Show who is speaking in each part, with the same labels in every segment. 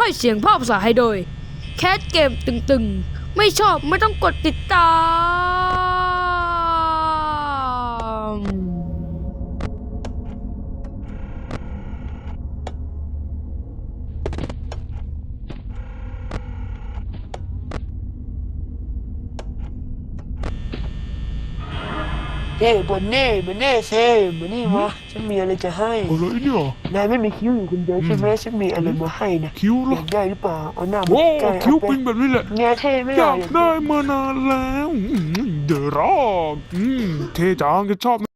Speaker 1: ให้เสียงภาพภาษาให้โดยแคสเกมตึงๆไม่ชอบไม่ต้องกดติดตาม
Speaker 2: บนเน่เซ่มานี่มาฉันมีอะไรจะให้
Speaker 3: อะไรเนี่ย
Speaker 2: นายไม่มีคิ้วอยู่คนเดียวใช่ไหมฉันมีอะไรมาให้นะ
Speaker 3: คิ้วเหร
Speaker 2: อ
Speaker 3: อย
Speaker 2: ากได้หรือเปล่าเอาหน้ามา
Speaker 3: โอ้
Speaker 2: ใกล้
Speaker 3: คิ้ว
Speaker 2: เอา
Speaker 3: ปิงแบบนี้แหละ
Speaker 2: แง่เท่ไม่
Speaker 3: อ
Speaker 2: ได้
Speaker 3: ยากได้มานานแล้วเดอะร็อกเท่จังจะชอบนะ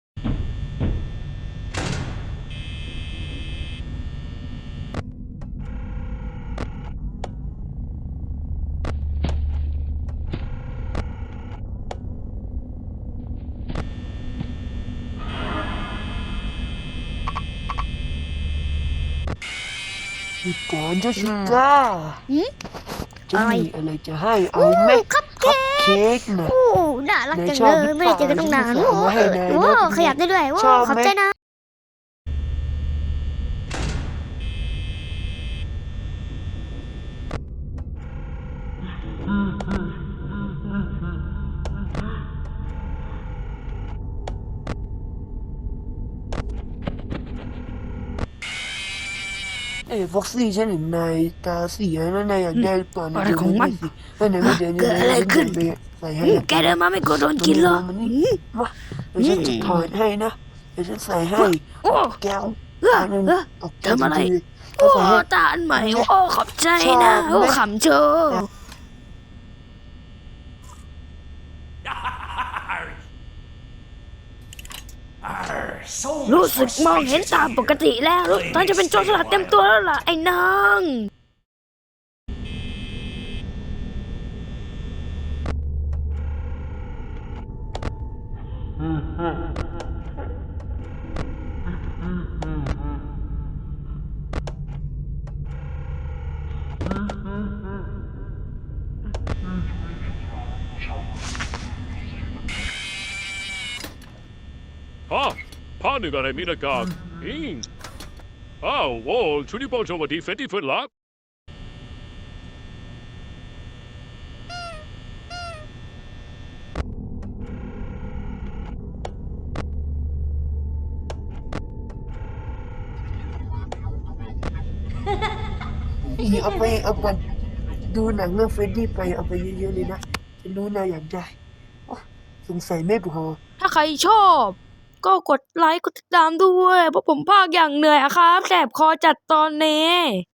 Speaker 2: หยุดก่อนเจ้าชิก้าจะมีอะไรจะให้เอาไหม
Speaker 4: คัพ
Speaker 2: คัพเค้กนะ
Speaker 4: โอ้น่ารักจังเลยไม่ได้เจอกันตั้งนาน
Speaker 2: นายชอบหรือเปล่า
Speaker 4: โอ้
Speaker 2: ให้นายนะ
Speaker 4: โหขยับได้ด้วยโอ้
Speaker 2: ชอบไหม
Speaker 4: ขอบใจนะ
Speaker 2: ฟ็อกซี่ฉันเห็นนายตาเสียแล้วนายอยากได้เปล่า
Speaker 1: อะไรของมัน
Speaker 2: ให้นายไม่เดิน
Speaker 1: เกิดอะไรขึ้น
Speaker 2: ใส่ให้
Speaker 1: แกเดินมาไม่กลัวโดนกินหรอก
Speaker 2: มันนี่มาเดี๋ยวฉันจะถอดให้นะเดี๋ยวฉันใส่ให้
Speaker 1: โอ้
Speaker 2: แก้ว
Speaker 1: ทำอะไร
Speaker 2: เอา
Speaker 1: โอ้
Speaker 2: ใส่ให้
Speaker 1: ตาอันใหม่โอ้ขอบใจนะโอ้ขำเชอรู้สึกมองเห็นตามปกติแล้วตอนจะเป็นโจรสลัดเต็มตัวแล้วล่ะไอ้นาง
Speaker 5: 파는 거네 미나가 잉 아우 오 주니버 저거 디페티 플랍
Speaker 2: เอาไปดูหนังเรื่องเฟรดดี้ไปเอาไปเยอะๆเลยนะฉันรู้นายอยากได้สงสัยไม่พอ
Speaker 1: ถ้าใครชอบ ก็กดไลค์กดติดตามด้วยเพราะผมพากอย่างเหนื่อยอะครับแสบคอจัดตอนนี้